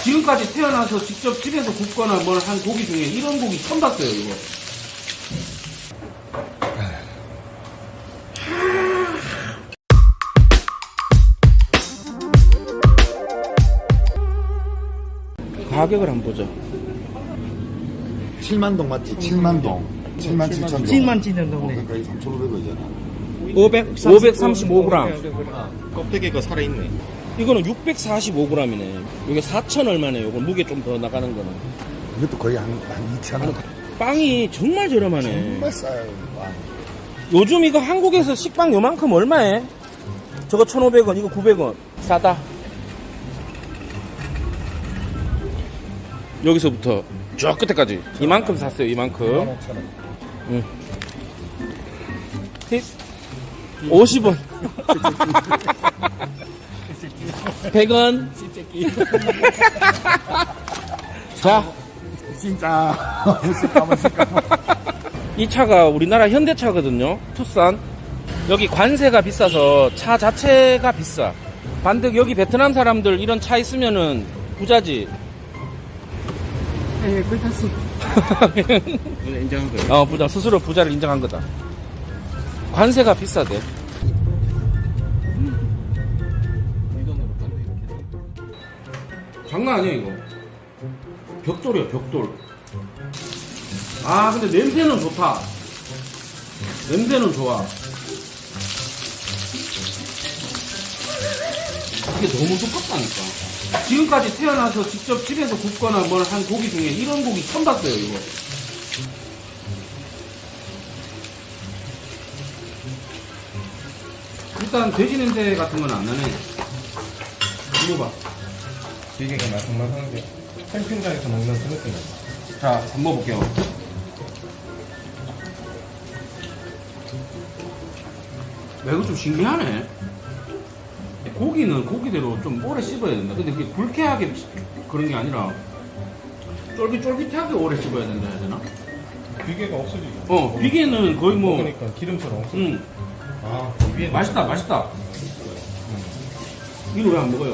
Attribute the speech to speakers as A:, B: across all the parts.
A: 지금까지 태어나서 직접 집에서 굽거나 뭘 한 고기 중에 이런 고기 처음 봤어요, 이거. 가격을 한번 보자.
B: 7만동 맞지? 7만동. 7만 7천 동.
C: 7만 7천 동네.
B: 그러니까 이 3,500원이잖아.
A: 535g.
C: 껍데기가 살아있네.
A: 이거는 645g이네. 이게 4천 얼마네. 이거 무게 좀 더 나가는 거는.
B: 이것도 거의 한 2,000원.
A: 빵이 정말 저렴하네.
B: 정말 싸요, 빵.
A: 요즘 이거 한국에서 식빵 요만큼 얼마에? 저거 1,500원, 이거 900원. 싸다. 여기서부터 쭉 끝에까지 이만큼 샀어요, 이만큼.
B: 15,000원.
A: 응. 팁 50원. 100원. 자,
B: 진짜.
A: 이 차가 우리나라 현대차거든요. 투싼. 여기 관세가 비싸서 차 자체가 비싸. 반득 여기 베트남 사람들 이런 차 있으면은 부자지.
C: 예, 그렇다. 인정한 거예요.
A: 부자. 스스로 부자를 인정한 거다. 관세가 비싸대.
C: 이 돈으로 판대 이렇게.
A: 장난 아니야 이거. 벽돌이야 벽돌. 아 근데 냄새는 좋다. 냄새는 좋아. 이게 너무 두껍다니까. 지금까지 태어나서 직접 집에서 굽거나 뭘 한 고기 중에 이런 고기 처음 봤어요 이거. 일단 돼지 냄새 같은 건 안 나네. 이거 봐.
C: 되게 말캉말캉한데 캠핑장에서 먹는 그 느낌.
A: 자, 한번 먹어볼게요. 야, 이거 좀 신기하네. 고기는 고기대로 좀 오래 씹어야 된다. 근데 그게 불쾌하게 그런 게 아니라 쫄깃쫄깃하게 오래 씹어야 된다 해야 되나?
C: 비계가 없어지죠.
A: 비계는 거의 뭐,
C: 그러니까 기름처럼 없어져. 아, 위에
A: 맛있다, 맛있다. 이거 왜 안 먹어요?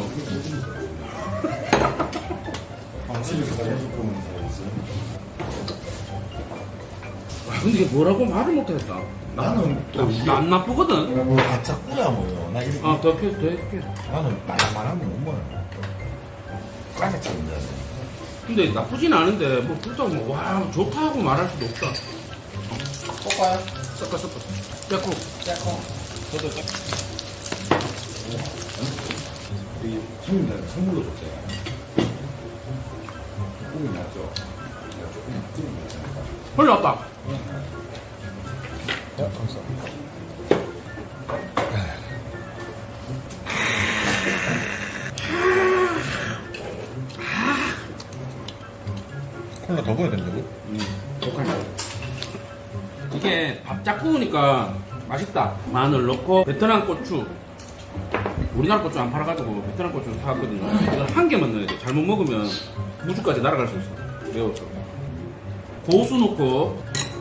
A: 근데 이게 뭐라고 말을 못하겠다.
B: 나는 또 이게
A: 나 안 나쁘거든?
B: 바짝 뿌려 먹어요. 나 이렇게.
A: 더 해줄게.
B: 나는 말랑말한 거못 먹어요. 까지 차는데.
A: 근데 나쁘진 않은데, 뭐, 그렇다고 뭐, 와, 좋다고 말할 수도 없다.
B: 볶아요?
A: 섞어. 빼고.
C: 저도
B: 이 손님들 선물로 줬대요. 조금 낫죠? 조금 낫잖아요.
A: 흘렀다.
C: 감사합니다. 콜라 더 부어야 된다고?
A: 이게 밥 짝 구우니까 맛있다. 마늘 넣고, 베트남 고추. 우리나라 고추 안 팔아가지고 베트남 고추 사왔거든요. 이건 한 개만 넣어야 돼. 잘못 먹으면 무주까지 날아갈 수 있어. 매워서. 고수 넣고.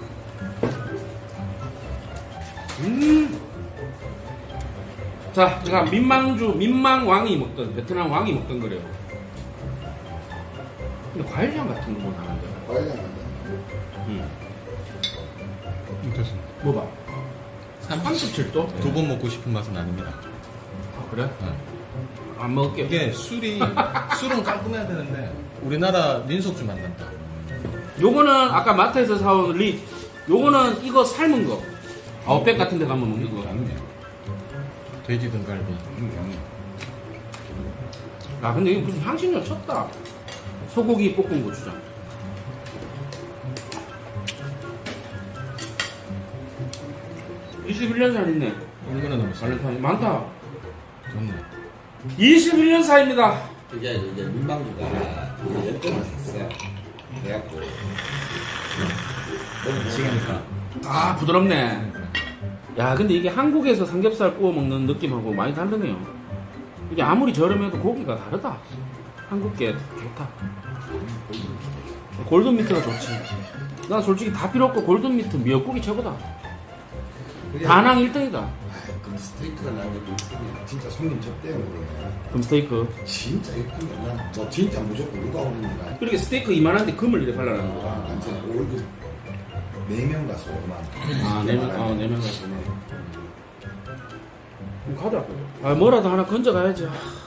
A: 자, 제가 민망왕이 먹던, 베트남 왕이 먹던 거래요. 근데 과일향 같은 거 뭐 나는데.
B: 과일향
C: 됐습니다.
A: 뭐 봐. 37도?
C: 두 번 먹고 싶은 맛은 아닙니다.
A: 아, 그래?
C: 네.
A: 안 먹을게.
C: 이게 술은 깔끔해야 되는데 우리나라 민속주 만난다.
A: 요거는 아까 마트에서 사온 립. 요거는 이거 삶은 거. 아웃백 같은 데 가면 먹는 거.
C: 돼지 등갈비.
A: 아, 근데 이거 무슨 향신료 쳤다. 소고기 볶은 고추장. (21년) 살 있네.
C: 얼마나 남았어?
A: 발렌타인 많다.
C: 좋네.
A: 21년 사입니다.
D: 이제 민방주가 열정을 샀어요. 그래갖고 너무
C: 미치겠니까.
A: 아, 부드럽네. 야, 근데 이게 한국에서 삼겹살 구워 먹는 느낌하고 많이 다르네요. 이게 아무리 저렴해도 고기가 다르다. 한국 게 좋다. 골든미트가 좋지. 난 솔직히 다 필요 없고 골든미트 미역국이 최고다. 다낭 1등이다.
B: 그
D: 스테이크가 나는 게 진짜 손님 접대용 그러네.
A: 금 스테이크.
D: 진짜 예쁘네. 난너 진짜 무조건 누가 오는가.
A: 이렇게 스테이크 이만한데 금을 이렇게 발라놓는 거야.
D: 완전 월급 4명 가서 5만.
A: 아, 4명, 4명 갔구나. 그럼 가자. 아, 뭐라도 하나 건져가야지.